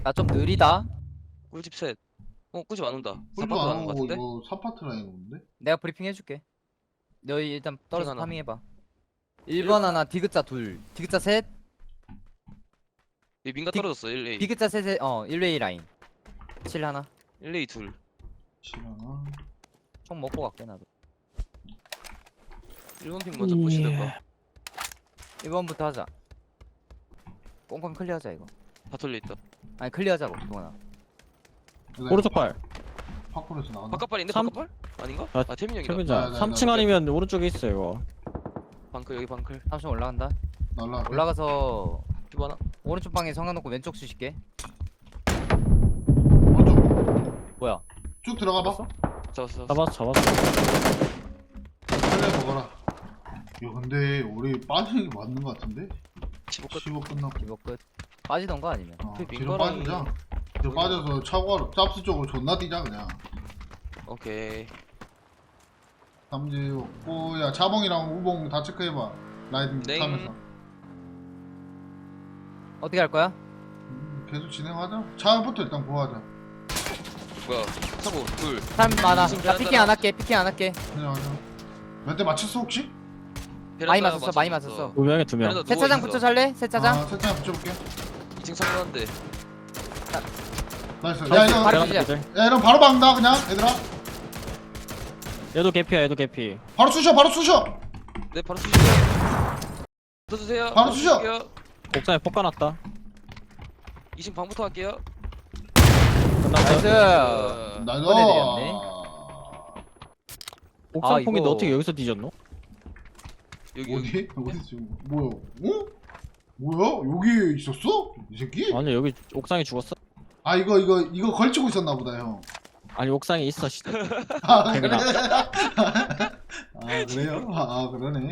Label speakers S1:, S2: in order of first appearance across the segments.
S1: 나 좀 느리다.
S2: 꿀집 셋. 꿀집 안 온다.
S3: 꿀도
S2: 4파트
S3: 안
S2: 가는 거
S3: 오고
S2: 같은데?
S3: 이거 4파트 라인 오는데?
S1: 내가 브리핑 해줄게. 너희 일단 떨어서
S2: 하나.
S1: 파밍해봐. 1번 하나, 디귿자 둘, 디귿자 셋,
S2: 얘 민가 떨어졌어. 1A.
S1: 디귿자 셋에 1웨이 라인. 7 하나.
S2: 1A 둘.
S3: 시간아.
S1: 총 먹고 갈게 나도.
S2: 1번 핑 먼저 푸시던가.
S1: 1번부터 하자. 꽁꽁 클리어하자 이거.
S2: 다 털려 있다.
S1: 아니 클리어하자고 동원아.
S4: 오른쪽 발.
S3: 파쿠르에서 나왔나?
S2: 바깥발인데
S4: 삼-
S2: 바깥발? 아닌가?
S4: 아,
S2: 아 태민이 형이다.
S4: 태민자
S3: 네,
S4: 3층 아니면 오른쪽에 있어 이거.
S2: 방클 여기 방클.
S1: 3층 올라간다.
S3: 날라갈게.
S1: 올라가서
S2: 큐브 하나.
S1: 오른쪽 방에 성가놓고 왼쪽 수실게.
S3: 오른쪽
S1: 뭐야?
S3: 쭉 들어가 봐.
S2: 잡았어.
S4: 잡았어.
S3: 빨리 먹어라. 야 근데 우리 빠지는 게 맞는 거 같은데?
S2: 15끝.
S3: 15 끝났고.
S1: 이거 끝. 빠지던가 아니면.
S2: 그
S3: 뒤로
S2: 민거랑이-
S3: 빠지자. 뒤로 빠져서 차고하러 짭스 쪽으로 존나 뛰자 그냥.
S2: 오케이.
S3: 삼지 없고 야 자봉이랑 우봉 다 체크해봐. 라이딩
S2: 네.
S3: 타면서.
S1: 어떻게 할 거야?
S3: 계속 진행하자. 차부터 일단 구하자.
S2: 뭐야? 차고 둘.
S1: 사람 많아.
S2: 지금
S1: 나 피킹 안 할게. 피킹 안 할게.
S3: 그냥 하자. 몇 대 맞췄어 혹시?
S1: 많이
S2: 베란다
S1: 맞았어, 많이 맞았어.
S4: 2명에 2명.
S2: 베란다
S1: 세차장
S2: 누워있어.
S1: 붙여 살래? 세차장?
S3: 아 세차장 붙여볼게.
S2: 2층 창문한데.
S3: 나이스.
S1: 바로
S3: 야 이거
S1: 바로
S3: 야
S1: 주자.
S3: 이런 바로 박는다 그냥 얘들아.
S4: 얘도 개피야 얘도 개피.
S3: 바로 쑤셔 바로 쑤셔.
S2: 네 바로 쑤시죠. 써주세요.
S3: 바로 쑤셔.
S2: 쑤실게요.
S4: 옥상에 폭 까놨다.
S2: 2층 방부터 할게요.
S4: 끝났어.
S1: 나이스.
S3: 나이스.
S1: 꺼내드렸네.
S4: 옥상
S1: 아,
S4: 폭인데
S1: 이거-
S4: 어떻게 여기서 뒤졌노?
S2: 여기
S3: 어디? 어디 지금 뭐야? 어? 뭐야? 여기 있었어? 이 새끼?
S4: 아니 여기 옥상에 죽었어?
S3: 아 이거 걸치고 있었나 보다 형.
S4: 아니 옥상에 있어 씨.
S3: 아 그래?
S4: 대민아.
S3: 아 그래요? 아 그러네.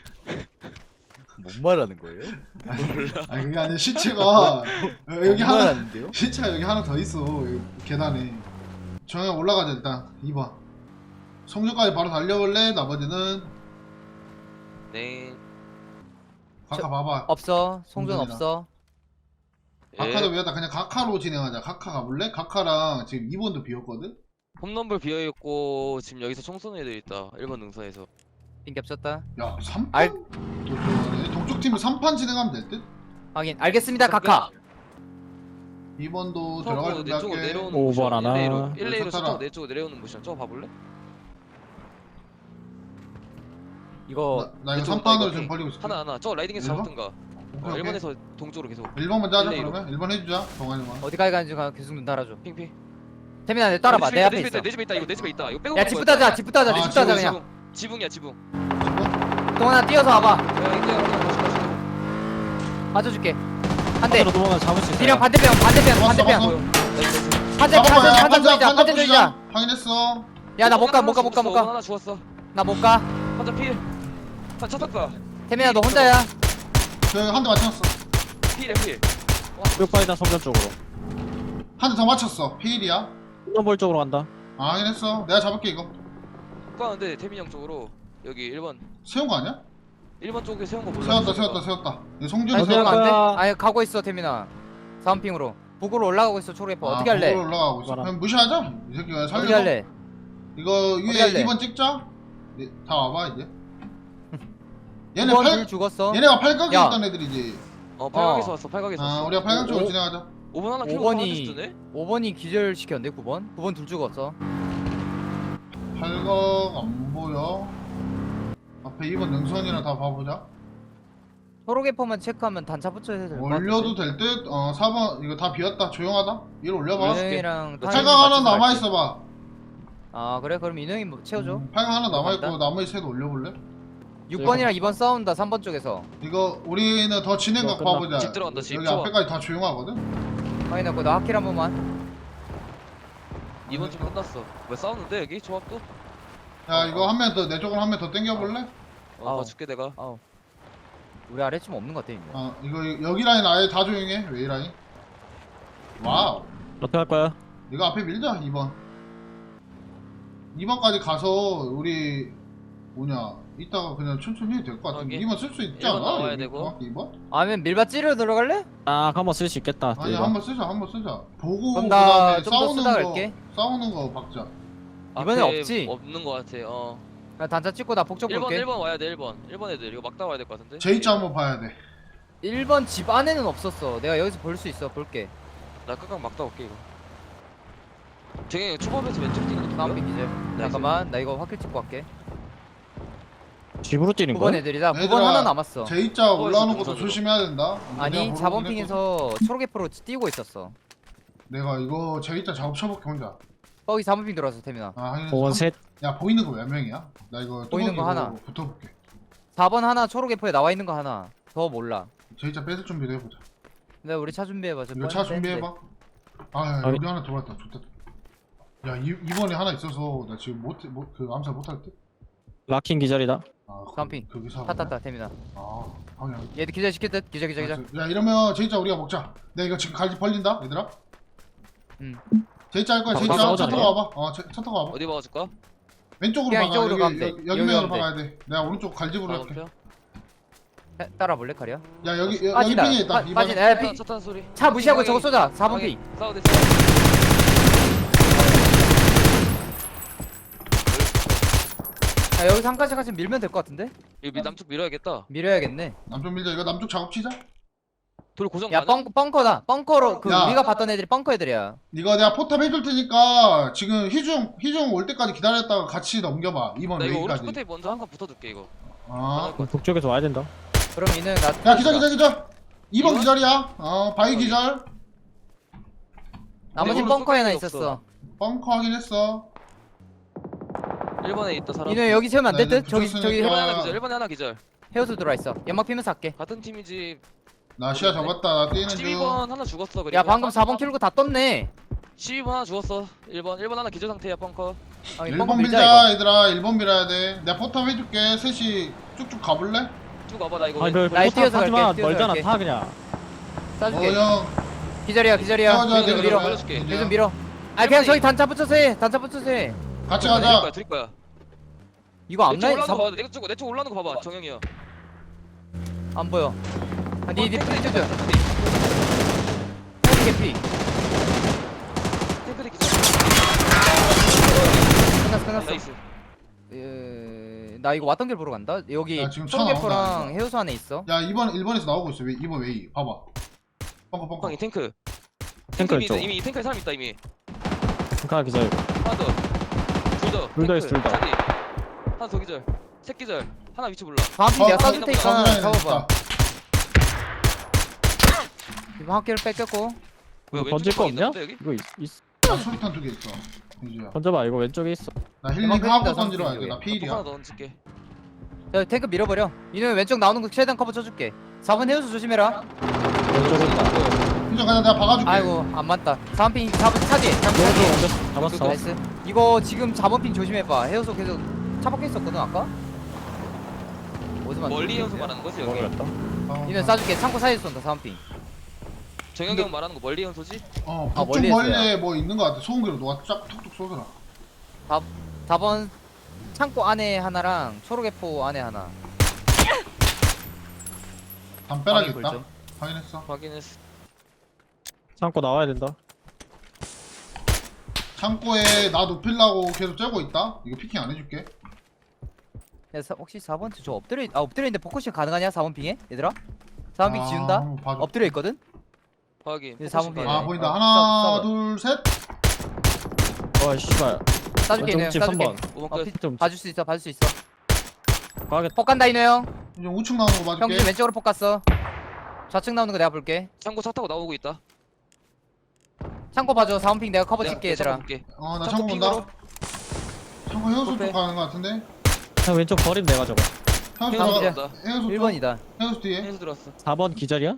S1: 뭔 말하는 거예요?
S3: 아 그게 아니라 시체가 여기 하나
S1: 말하는데요?
S3: 시체가 여기 하나 더 있어 여기 계단에. 정형 올라가자 일단 2번. 성주까지 바로 달려볼래? 나머지는
S2: 네.
S3: 각하 봐봐.
S1: 없어. 송전
S3: 송전이다.
S1: 없어.
S3: 각하도
S2: 예.
S3: 위에다 그냥 각하로 진행하자. 각하 가볼래? 각하랑 지금 2번도 비었거든?
S2: 홈런볼 비어있고 지금 여기서 총 쏘는 애들 있다. 1번 능선에서.
S1: 핑 겹쳤다.
S3: 야 3판?
S1: 알-
S3: 동쪽 팀은 3판 진행하면 될 듯?
S1: 확인. 알겠습니다. 각하.
S3: 2번도 들어갈
S2: 내 쪽으로
S3: 준비할게.
S2: 내려오는
S4: 오버
S2: 모션.
S4: 하나.
S2: 1레이로 1레이로
S3: 쳤다가.
S2: 서쪽 내 쪽으로 내려오는 모션. 저거 봐볼래?
S1: 이거
S3: 나 이거
S2: 내 쪽으로
S3: 3판으로
S2: 이거
S3: 지금 벌리고 있을게.
S2: 하나 저거 라이딩에서
S3: 일번?
S2: 잡았던가.
S3: 오케이, 오케이.
S2: 1번에서 동쪽으로 계속
S3: 1번 먼저 하자
S2: 일레이로.
S3: 그러면 1번 해주자 동아리만.
S1: 어디까지 가는지 계속 눈 달아줘.
S2: 핑핑.
S1: 태민아 내 따라봐. 내 앞에 있어.
S2: 내 집에 있다. 이거 내 집에 있다. 이거 빼고
S1: 야
S2: 가는
S1: 집부터
S2: 거야.
S1: 하자. 집부터 하자.
S3: 아,
S1: 집부터 하자
S3: 지붕,
S1: 그냥.
S2: 지붕이야 지붕.
S1: 동원아 뛰어서 와봐.
S2: 야 이거
S1: 맞춰줄게. 한 대.
S4: 반대로 도망가 잡을 수 있어.
S1: D랑 반대편. 반대편.
S3: 왔어,
S1: 반대편.
S3: 왔어.
S1: 판자
S3: 잡아봐.
S1: 판자 조이자. 판자 조이자.
S3: 확인했어.
S1: 야 나 못 가. 못 가. 못 가. 못 가.
S2: 하나 죽었어.
S1: 나 못 가.
S2: 한자 필. 한 쳤다.
S1: 태민아 너 혼자야.
S3: 한 대 맞췄어.
S2: 필이야 필.
S4: 뼈파이다 성전 쪽으로.
S3: 한 대 더 맞췄어. 피일이야.
S4: 홈런볼 쪽으로 간다.
S3: 아 확인했어. 내가 잡을게 이거.
S2: 가는데 태민 형 쪽으로 여기 1번
S3: 세운 거 아니야?
S2: 1번 쪽에 세운 거 몰라.
S3: 세웠다. 이거 송준이
S4: 아니,
S3: 세웠다.
S1: 안 돼?
S4: 거야.
S1: 아니 가고 있어 태민아. 사운핑으로. 북으로 올라가고 있어 초록에퍼. 어떻게 할래?
S3: 북으로 올라가고 있어.
S4: 봐라.
S3: 그럼 무시하자. 이 새끼가
S1: 어떻게
S3: 살려.
S1: 할래?
S3: 이거
S1: 어떻게
S3: 위에
S1: 할래?
S3: 2번 찍자. 다 와봐 이제. 얘네
S1: 9번
S3: 팔
S1: 둘 죽었어.
S3: 얘네가 팔각에
S1: 야.
S3: 있던 애들이지.
S2: 팔각에서 왔어. 팔각에서
S3: 아
S2: 왔어.
S3: 우리가 팔각 쪽으로
S1: 오.
S3: 진행하자.
S2: 5번 하나 키고
S1: 5번이
S2: 주네.
S1: 5번이 기절시켰는데 9번? 9번 둘 죽었어.
S3: 팔각 안 보여. 앞에 2번 능선이랑 다 봐보자.
S1: 초록에퍼만 체크하면 단차 붙여야 될것 같아.
S3: 올려도 될 듯? 4번 이거 다 비었다. 조용하다. 이거 올려봐.
S1: 인형이랑
S2: 나
S3: 팔각
S1: 타이밍
S3: 하나
S1: 맞춰서 갈게.
S3: 남아있어봐.
S1: 아 그래? 그럼 인형이 뭐 채워줘.
S3: 팔각 하나 남아있고
S1: 간다.
S3: 나머지 셋 올려볼래?
S1: 6번이랑 2번 싸운다 3번 쪽에서.
S3: 이거 우리는 더 진행각
S4: 이거 끝나.
S3: 봐보자.
S2: 집 들어간다, 집.
S3: 여기
S2: 좋아.
S3: 앞에까지 다 조용하거든?
S1: 확인했고 나 하킬 한 번만.
S2: 2번 좀 끝났어. 왜 싸우는데 여기 조합도?
S3: 야 이거 한 명 더 내 쪽으로 한 명 더 땡겨볼래?
S1: 아우.
S2: 봐줄게 내가.
S1: 아우. 우리 아래쯤 없는 것 같아 인형.
S3: 이거 여기 라인 아예 다 조용해. 왜 이 라인? 와우.
S4: 어떻게 할 거야?
S3: 이거 앞에 밀자 2번. 2번까지 가서 우리 뭐냐 이따가 그냥 천천히 해도 될 것 같은데.
S2: 여기.
S3: 2번 쓸 수 있지
S2: 일번
S3: 않아?
S2: 나와야
S3: 여기
S2: 되고.
S3: 정확히 2번?
S1: 아니면 밀밭 찌르러 들어갈래?
S4: 아 한번 쓸 수 있겠다.
S3: 아니
S4: 이거.
S3: 한번 쓰자 한번 쓰자. 보고
S1: 그럼 나
S3: 그다음에
S1: 좀 더 쓰다
S3: 싸우는 거
S1: 갈게.
S3: 싸우는 거 박자.
S1: 이번엔
S2: 앞에
S1: 없지?
S2: 없는 거 같아.
S1: 나 단차 찍고 나 폭적
S2: 1번
S1: 볼게.
S2: 1번 와야 돼 1번. 1번 애들 이거 막다 와야 될 것 같은데.
S3: 제이자 한번 봐야 돼.
S1: 1번 집 안에는 없었어. 내가 여기서 볼 수 있어. 볼게.
S2: 나 끝까지 막다 올게 이거. 쟤 초밥에서 왼쪽 뛰는 거
S1: 다운핑
S2: 누구야?
S1: 기절. 잠깐만 나 이거 확킬 찍고 갈게.
S4: 집으로 뛰는
S1: 9번
S4: 거야?
S1: 애들이다. 9번
S3: 얘들아,
S1: 하나 남았어.
S3: 제이자 올라오는 것도
S2: 동선으로.
S3: 조심해야 된다. 내가
S1: 아니
S3: 보러 오긴
S1: 4번
S3: 했거든.
S1: 핑에서 초록애프로 뛰고 있었어.
S3: 내가 이거 제이자 작업 쳐볼게 혼자.
S1: 거기 4번 핑 들어왔어 태민아.
S3: 아 하긴
S4: 5번 셋.
S3: 야 보이는 거 몇 명이야? 나 이거
S1: 보이는 거
S3: 뚜벅이로
S1: 하나.
S3: 붙어볼게.
S1: 4번 하나 초록애프에 나와 있는 거 하나. 더 몰라.
S3: 제이자 뺏을 준비도 해보자.
S1: 내가 우리 차 준비해봐. 저
S3: 이거 차
S1: 뻔히
S3: 준비해봐. 아 야,
S4: 아니.
S3: 여기 하나 들어왔다. 좋다. 야 이번에 하나 있어서 나 지금 그 암살 못할 듯.
S4: 라킹 기절이다.
S3: 아
S1: 깜핑.
S3: 거기 사.
S1: 탔탔다 태민아.
S3: 아 방향.
S1: 얘들 기절 시킬 듯. 기절.
S3: 야 이러면 제이자 우리가 먹자. 내가 이거 지금 갈지 벌린다 얘들아.
S1: 응.
S3: 제이자 할 거야.
S4: 아,
S3: 제이자
S4: 싸우자,
S3: 차 타고
S4: 아니야?
S3: 와봐. 차 타고 와봐.
S2: 어디 막아줄까?
S3: 왼쪽으로
S1: 그냥
S3: 박아.
S1: 이쪽으로
S3: 여기,
S1: 가면 돼.
S3: 여기
S1: 여기
S3: 면으로
S1: 가면 돼.
S3: 박아야 돼. 내가 오른쪽 갈집으로 할게.
S2: 방어표?
S1: 따라 볼래 카리야?
S3: 야 여기
S1: 빠진다.
S3: 핑에 있다.
S1: 빠진.
S3: 이번에.
S1: 에 핑.
S2: 차 타는 소리.
S1: 차 무시하고 저거 쏘자. 4번 핑.
S2: 싸우대.
S1: 야 여기서 한 칸씩 같이 밀면 될 것 같은데?
S2: 이거 남쪽 밀어야겠다.
S1: 밀어야겠네.
S3: 남쪽 밀자. 이거 남쪽 작업 치자.
S2: 돌 고정
S1: 야
S2: 가능?
S1: 벙커다. 벙커로 그
S3: 야.
S1: 우리가 봤던 애들이 벙커 애들이야.
S3: 이거 내가 포탑 해줄 테니까 지금 희중 올 때까지 기다렸다가 같이 넘겨봐. 이번
S2: 나 이거 오른쪽
S3: 웨이까지.
S2: 끝에 먼저 한 칸 붙어둘게 이거.
S3: 아.
S4: 북쪽에서 와야 된다.
S1: 그럼 이는 나.
S3: 야 기절. 2번
S2: 이번?
S3: 기절이야. 바위 기절.
S1: 나머지
S2: 오른쪽
S1: 벙커에 하나
S2: 끝에
S1: 있었어.
S3: 벙커 확인했어.
S2: 1번에 있다 사람.
S1: 이는 여기 세우면 안 될 듯?
S3: 나
S1: 저기
S3: 이제
S1: 저기
S2: 1번에
S3: 붙였으니까.
S2: 하나 기절. 1번에 하나 기절.
S1: 헤어스 들어와 있어. 연막 피면서 할게.
S2: 같은 팀이지.
S3: 나 시야 잡았다. 나 뛰는 중.
S2: 12번 하나 죽었어. 그리고
S1: 야 방금 4번 킬고 다 떴네.
S2: 12번 하나 죽었어. 1번 하나 기절 상태야 벙커.
S1: 아니, 벙커
S3: 1번
S1: 밀자
S3: 밀자
S1: 이거.
S3: 얘들아. 1번 밀어야 돼. 내가 포탑 해줄게. 셋이 쭉쭉 가볼래?
S2: 쭉 와봐 나 이거.
S4: 아니 너
S1: 나이
S4: 포탑
S1: 뛰어서
S4: 하지마.
S1: 갈게, 뛰어서
S4: 멀잖아.
S1: 갈게.
S4: 타 그냥.
S1: 쏴줄게.
S3: 형.
S1: 기절이야.
S3: 싸워줘야 돼,
S1: 요즘 밀어.
S3: 그러면.
S2: 밀어줄게.
S3: 이제.
S1: 요즘 밀어. 아 그냥 저기 단차 붙여서 해. 단차 붙여서 해.
S3: 같이
S2: 드릴
S3: 가자.
S2: 거야. 드릴 거야.
S1: 이거
S2: 내쪽
S1: 앞라인
S2: 올라오는 거
S1: 4번
S2: 봐. 내 쪽 올라오는 거 봐봐. 정영이야.
S1: 안 보여. 아, 니
S2: 탱크리
S1: 프리즈
S2: 기절.
S1: 개피.
S2: 탱크리 기절.
S1: 끝났어.
S2: 나이스.
S1: 나 이거 왔던 길 보러 간다. 여기
S3: 야, 지금 차
S1: 초록개포랑
S3: 나온다.
S1: 해우소 안에 있어.
S3: 야 1번에서 나오고 있어. 2번 웨이. 봐봐. 벙커.
S2: 형, 이 탱크.
S4: 탱크
S2: 이미
S4: 있죠.
S2: 이미 이 탱크에 사람 있다 이미.
S4: 하나 기절.
S2: 하나 더. 둘 더.
S4: 둘 더 있어, 둘 더.
S2: 차디. 하나 더 기절. 새 기절. 하나 위치 몰라.
S1: 다음 핑 내가
S3: 어,
S1: 쏴줄 테니까
S3: 확인해,
S1: 잡아봐.
S3: 됐다.
S1: 이번 학교를 뺏겼고.
S2: 왜
S4: 이거 던질 거 없냐?
S2: 왼쪽에 있는데, 여기?
S4: 이거 있어.
S3: 나 수류탄 2개 있어. 이제야.
S4: 던져봐. 이거 왼쪽에 있어.
S3: 나 힐링
S1: 대박
S3: 하고
S1: 팬이다,
S3: 던지러 와야 돼.
S1: 선수
S3: 나
S2: 폭
S3: 피일이야.
S2: 하나 더 던질게.
S1: 야 탱크 밀어버려. 이는 왼쪽 나오는 거 최대한 커버 쳐줄게. 4번 해우소 조심해라.
S4: 왼쪽에 있다.
S3: hin정 그냥 내가 박아줄게.
S1: 아이고 안 맞다. 4번 핑 4번 차지.
S4: 왼쪽
S1: 차지.
S4: 먼저 잡았어.
S1: 나이스. 이거 지금 4번 핑 조심해봐. 해우소 계속 차 밖에 있었거든 아까. 어디만
S2: 멀리 연소
S1: 쏘는 거야?
S2: 말하는 거지 여기.
S4: 먹으랬다.
S1: 이는 쏴줄게. 창고 사이에서 쏜다 4번 핑.
S2: 정영이 형 말하는 거 멀리 연소지?
S3: 북쪽
S1: 멀리에서야.
S3: 멀리에 뭐 있는 거 같아. 소음기로 너가 쫙 툭툭 쏘더라.
S1: 4번 창고 안에 하나랑 초록애포 안에 하나.
S3: 담벼락에
S1: 방위
S3: 있다.
S1: 불죠.
S3: 확인했어.
S2: 확인했어.
S4: 창고 나와야 된다.
S3: 창고에 나 높이려고 계속 째고 있다. 이거 피킹 안 해줄게.
S1: 야, 혹시 4번 저 엎드려 있는데 포커싱 가능하냐 4번 핑에? 얘들아? 4번 핑 지운다?
S3: 한번 봐줘.
S1: 엎드려 있거든?
S2: 확인.
S1: 이제 4번 핑.
S3: 아 보인다.
S1: 어,
S3: 하나
S1: 쏴봐.
S3: 둘 셋.
S4: 와 씨발.
S1: 쏴줄게 이노 형
S4: 집
S1: 쏴줄게
S4: 3번.
S2: 5번
S1: 어,
S2: 끝.
S1: 피,
S4: 좀
S1: 봐줄 수 있어 봐줄 수 있어
S4: 가겠다.
S1: 폭 간다 이노 형
S3: 이제 우측 나오는 거 봐줄게.
S1: 형님 왼쪽으로 폭 갔어 좌측 나오는 거 내가 볼게
S2: 창고 차 타고 나오고 있다.
S1: 창고 봐줘 4번 핑 내가 커버
S2: 내가
S1: 칠게 얘들아
S2: 볼게.
S3: 나
S2: 창고
S3: 창고 본다.
S2: 핑으로.
S3: 창고 해우소
S2: 오케이.
S3: 쪽 가는 거 같은데.
S4: 형 왼쪽 버림 내가 저거.
S3: 해우소
S1: 다음
S3: 들어가.
S1: 기절.
S3: 해우소 쪽.
S1: 1번이다
S3: 해우소 뒤에.
S2: 해서 들어왔어.
S4: 4번 기절이야?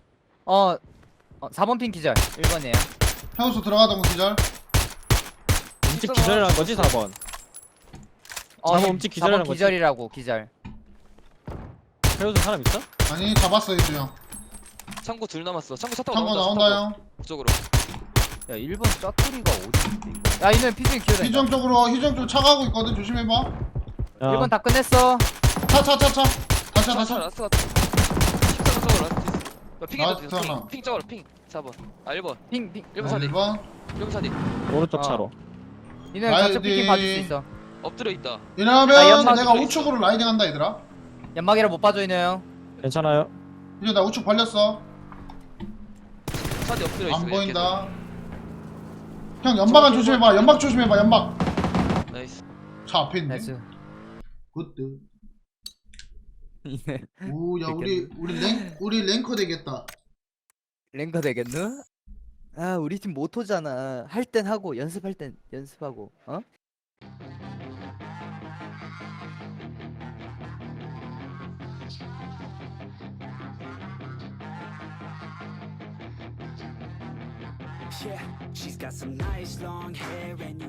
S1: 4번 핑 기절 1번이에요
S3: 해우소 들어가던 거 기절.
S4: 움직 기절이라는 거지 4번. 4번 움직 기절이라는
S1: 4번
S4: 거지?
S1: 기절이라고 기절
S4: 해우소 사람 있어?
S3: 아니 잡았어 이제 형.
S2: 창고 둘 남았어. 창고 차 타고
S3: 창고
S2: 나온다.
S3: 나온다 형.
S2: 그쪽으로.
S1: 야 1번 짜투리가 어디 야 이노 형 피싱 기어다닌다
S3: 희정 쪽으로 희정 쪽 차 가고 있거든. 조심해봐.
S4: 야,
S1: 1번 다 끝냈어
S3: 차.
S2: 차
S3: 다차.
S2: 라스트 같아. 14번 저거 라스트 있어. 핑에도
S3: 라스트 하나.
S2: 있어. 핑 저거 핑. 4번. 아 1번.
S1: 핑
S2: 1번 차디.
S3: 1번.
S2: 1번 차디.
S4: 오른쪽
S1: 어.
S4: 차로.
S1: 니는
S3: 아이,
S1: 좌측 피킹
S3: 네.
S1: 봐줄 수 있어.
S2: 엎드려 있다.
S1: 아,
S3: 이러면
S1: 연막
S3: 내가
S2: 있어.
S3: 우측으로 라이딩 한다 얘들아.
S1: 연막이라 못 봐줘 이네 형.
S4: 괜찮아요.
S3: 이제 나 우측 벌렸어.
S2: 차디 엎드려 있어.
S3: 안
S2: 이렇게.
S3: 보인다. 형 연막은 조심해봐. 연막 조심해봐. 연막.
S2: 나이스.
S3: 차 앞에 있네.
S1: 나이스.
S3: 굿드.
S1: 이네
S3: 오, 야 우리 랭커 되겠다.
S1: 랭커 되겠누? 아 우리 팀 모토잖아. 할 땐 하고 연습할 땐 연습하고. 어?
S5: Yeah, she's got some nice long hair and you